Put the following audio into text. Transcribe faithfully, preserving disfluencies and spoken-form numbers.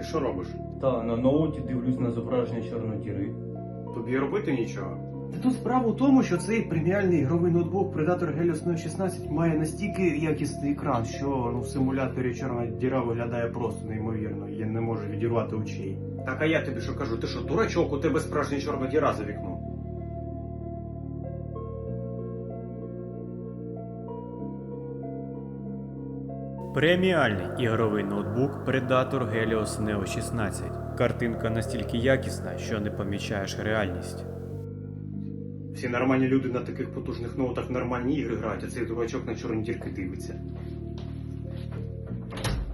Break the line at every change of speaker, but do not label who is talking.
що робиш?
Та на ноуті дивлюсь на зображення чорної діри.
Тобі робити нічого?
Та тут справа у тому, що цей преміальний ігровий ноутбук Predator Helios Neo шістнадцять має настільки якісний екран, що ну, в симуляторі чорна діра виглядає просто неймовірно, я не можу відірвати очей.
Так а я тобі що кажу, ти що, дурачок, у тебе справжня чорна діра за вікном.
Преміальний ігровий ноутбук Predator Helios Neo шістнадцять. Картинка настільки якісна, що не помічаєш реальність.
Всі нормальні люди на таких потужних ноутах нормальні ігри грають, а цей дурачок на чорні дірки дивиться.